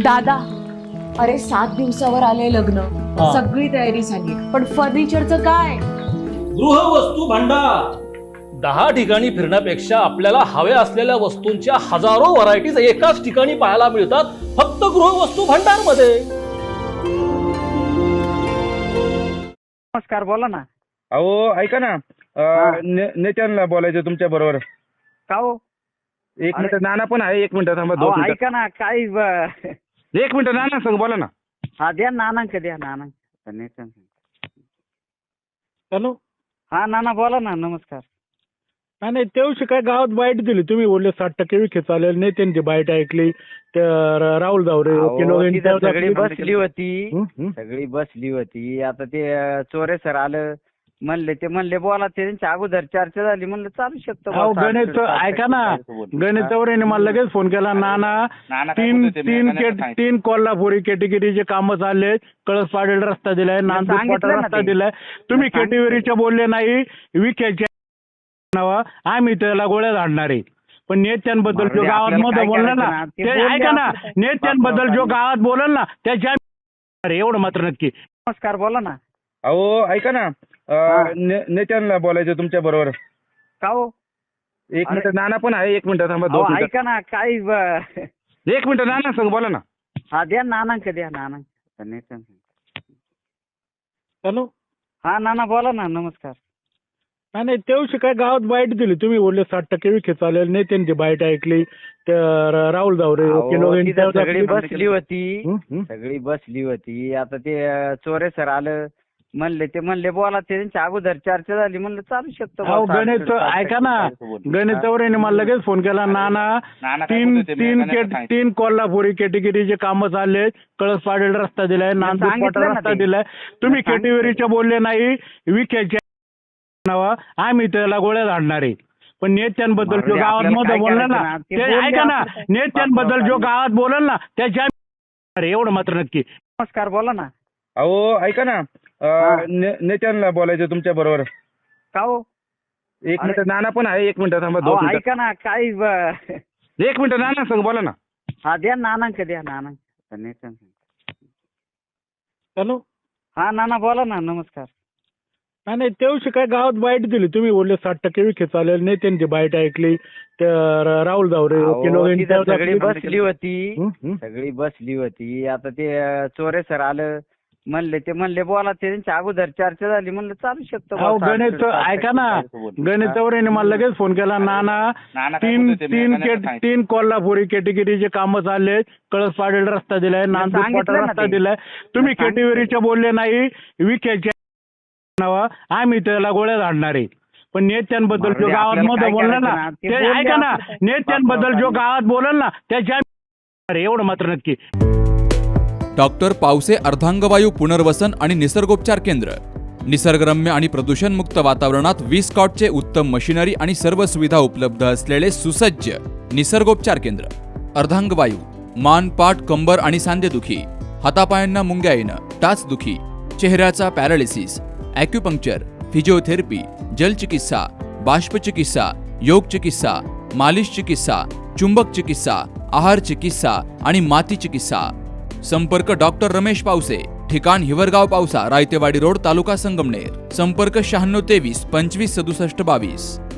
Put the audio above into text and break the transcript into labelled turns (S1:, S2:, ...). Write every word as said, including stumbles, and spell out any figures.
S1: दादा, अरे सात दिवसावर आले लग्न,
S2: हा.
S1: सगळी तयारी झाली, पण फर्निचरचं काय?
S2: गृहवस्तू भांडार. दहा ठिकाणी फिरण्यापेक्षा आपल्याला हव्या असलेल्या वस्तूंच्या हजारो व्हरायटीज एकाच ठिकाणी पाहायला मिळतात, फक्त गृहवस्तू भांडार मध्ये.
S3: नमस्कार, बोला ना.
S4: अहो ऐका ना,
S3: हा.
S4: नेत्यांना बोलायचं तुमच्या बरोबर.
S3: का हो?
S4: एक
S3: अरे.
S4: मिनिट, नाना पण आहे. एक मिनिट थांबा,
S3: अहो,
S4: दोन मिनिट.
S3: ऐका ना, काय ब-
S4: एक मिनिट, नाना सांग, बोला ना.
S3: हा द्या नानांक द्या नानांक.
S5: हॅलो.
S3: हा नाना बोला ना. नमस्कार.
S5: हा नाही, तेवशी काय गावात बाईट दिली, तुम्ही बोलले साठ टक्के विखे चालेल नाही, त्यांची बाईट ऐकली. त्या राहुल जावरे
S3: अहो,
S5: वकील वगैरे
S3: तिथं
S5: त्यावर
S3: सगळी
S5: आपली-
S3: बसली होती.
S5: हं, हं.
S3: सगळी बसली होती. आता ते अं, चोरे सर आलं म्हणले, ते म्हणले बोला, ते त्यांच्या अगोदर चर्चा झाली, म्हणलं चालू शकतो
S5: अहो
S3: बुवा,
S5: गणेश,
S3: साठ- साठ
S5: ऐका ना,
S3: टक्के.
S5: गणेश चौरेने मला लगेच फोन केला. नाना, तीन तीन केट तीन कोल्हापुरी कॅटेगरीचे कामं चालले, कळस पाडेल रस्ता दिलाय, नांदूर
S3: सांगितलं
S5: पाटा
S3: ना
S5: रस्ता
S3: ते.
S5: दिलाय. तुम्ही
S3: सांगितलं.
S5: कॅटेगरीचे बोलले नाही, विखेच्या नावा आम्ही त्याला गोळ्या झाडणार आहे. पण नेत्यांबद्दल जो
S3: मारुती,
S5: गावात
S3: आपल्याला
S5: मध्ये
S3: काय
S5: बोलला
S3: करायचं
S5: ना,
S3: ना, ते
S5: ते
S3: बोलले
S5: ऐका ना,
S3: आपण.
S5: नेत्यांबद्दल जो गावात बोलल ना त्याच्या अरे एवढं मात्र नक्की.
S3: नमस्कार, बोला ना.
S4: अहो ऐका ना,
S3: हा.
S4: नेत्यांना बोलायचं तुमच्या बरोबर.
S3: का हो?
S4: एक
S3: अरे.
S4: मिनिट, नाना पण आहे. एक मिनिट थांबा, दोन
S3: अहो,
S4: मिनिट.
S3: ऐका ना, काय ब-
S4: एक मिनिट, नाना सांग, बोला ना.
S3: हा द्या नानांक द्या नानांक.
S5: हॅलो.
S3: हा नाना बोला ना. नमस्कार.
S5: हा नाही, तेवशी काय गावात बाईट दिली, तुम्ही बोलले साठ टक्के विखे चालेल नाही, त्यांची बाईट ऐकली. त्या राहुल जावरे वकील
S3: अहो,
S5: वगैरे
S3: तिथं
S5: त्यावर
S3: सगळी
S5: आपली-
S3: बसली होती.
S5: हं, हं.
S3: सगळी बसली होती. आता ते अं, चोरे सर आलं म्हणले, ते म्हणले बोला, ते त्यांच्या अगोदर चर्चा झाली, म्हणलं चालू शकतो बुवा,
S5: अहो
S3: साठ-
S5: गणेश,
S3: साठ
S5: ऐका ना,
S3: टक्के.
S5: गणेश चौरेने मला लगेच फोन केला. नाना, तीन तीन केट तीन कोल्हापुरी कॅटेगरीचे कामं चालले, कळस पाडेल रस्ता दिलाय, नांदूर
S3: सांगितलं
S5: पाटा
S3: ना
S5: रस्ता
S3: ते.
S5: दिलाय. तुम्ही
S3: सांगितलं.
S5: कॅटेगरीचे बोलले नाही, विखेच्या नावा आम्ही त्याला गोळ्या झाडणार आहे. पण नेत्यांबद्दल जो
S3: मारुती,
S5: गावात
S3: आपल्याला
S5: मध्ये
S3: काय
S5: बोलला
S3: करायचं
S5: ना,
S3: ना, ते
S5: ते
S3: बोलले
S5: ऐका ना,
S3: आपण.
S5: नेत्यांबद्दल जो गावात बोलल ना त्याच्या अरे एवढं मात्र नक्की.
S3: नमस्कार, बोला ना.
S4: अहो ऐका ना,
S3: हा.
S4: नेत्यांना बोलायचं तुमच्या बरोबर.
S3: का हो?
S4: एक
S3: अरे.
S4: मिनिट, नाना पण आहे. एक मिनिट थांबा, दोन
S3: अहो,
S4: मिनिट.
S3: ऐका ना, काय ब-
S4: एक मिनिट, नाना सांग, बोला ना.
S3: हा द्या नानांक द्या नानांक.
S5: हॅलो.
S3: हा नाना बोला ना. नमस्कार.
S5: हा नाही, तेवशी काय गावात बाईट दिली, तुम्ही बोलले साठ टक्के विखे चालेल नाही, त्यांची बाईट ऐकली. त्या राहुल जावरे वकील
S3: अहो,
S5: वगैरे
S3: तिथं
S5: त्यावर
S3: सगळी
S5: आपली-
S3: बसली होती.
S5: हं, हं.
S3: सगळी बसली होती. आता ते अं, चोरे सर आलं म्हणले, ते म्हणले बोला, ते त्यांच्या अगोदर चर्चा झाली, म्हणलं चालू शकतो बुवा,
S5: अहो
S3: साठ-
S5: गणेश,
S3: साठ
S5: ऐका ना,
S3: टक्के.
S5: गणेश चौरेने मला लगेच फोन केला. नाना, तीन तीन केट तीन कोल्हापुरी कॅटेगरीचे कामं चालले, कळस पाडेल रस्ता दिलाय, नांदूर
S3: सांगितलं
S5: पाटा
S3: ना
S5: रस्ता
S3: ते.
S5: दिलाय. तुम्ही
S3: सांगितलं.
S5: कॅटेगरीचे बोलले नाही, विखेच्या नावा आम्ही त्याला गोळ्या झाडणार आहे. पण नेत्यांबद्दल जो
S3: मारुती,
S5: गावात
S3: आपल्याला
S5: मध्ये
S3: काय
S5: बोलला ना,
S3: करायचं ना, ते
S5: ते
S3: बोलले
S5: ऐका ना,
S3: आपण.
S5: नेत्यांबद्दल जो गावात बोलल ना त्याच्या अरे एवढं मात्र नक्की.
S6: डॉक्टर पावसे अर्धांगवायू पुनर्वसन आणि निसर्गोपचार केंद्र. निसर्गरम्य आणि प्रदूषणमुक्त वातावरणात वीस कॉटचे उत्तम मशिनरी आणि सर्व सुविधा उपलब्ध असलेले सुसज्ज निसर्गोपचार केंद्र. अर्धांगवायू, मान, पाठ, कंबर आणि सांधेदुखी, हातापायांना मुंग्या येणं, टाचदुखी, चेहऱ्याचा पॅरालिसिस, ॲक्युपंक्चर, फिजिओथेरपी, जलचिकित्सा, बाष्पचिकित्सा, योग चिकित्सा, मालिश चिकित्सा, चुंबक चिकित्सा, आहार चिकित्सा आणि माती चिकित्सा. संपर्क डॉक्टर रमेश पावसे, ठिकाण हिवरगाव पावसा, रायतेवाडी रोड, तालुका संगमनेर. संपर्क शहाण्णव तेवीस पंचवीस सदुसष्ट बावीस.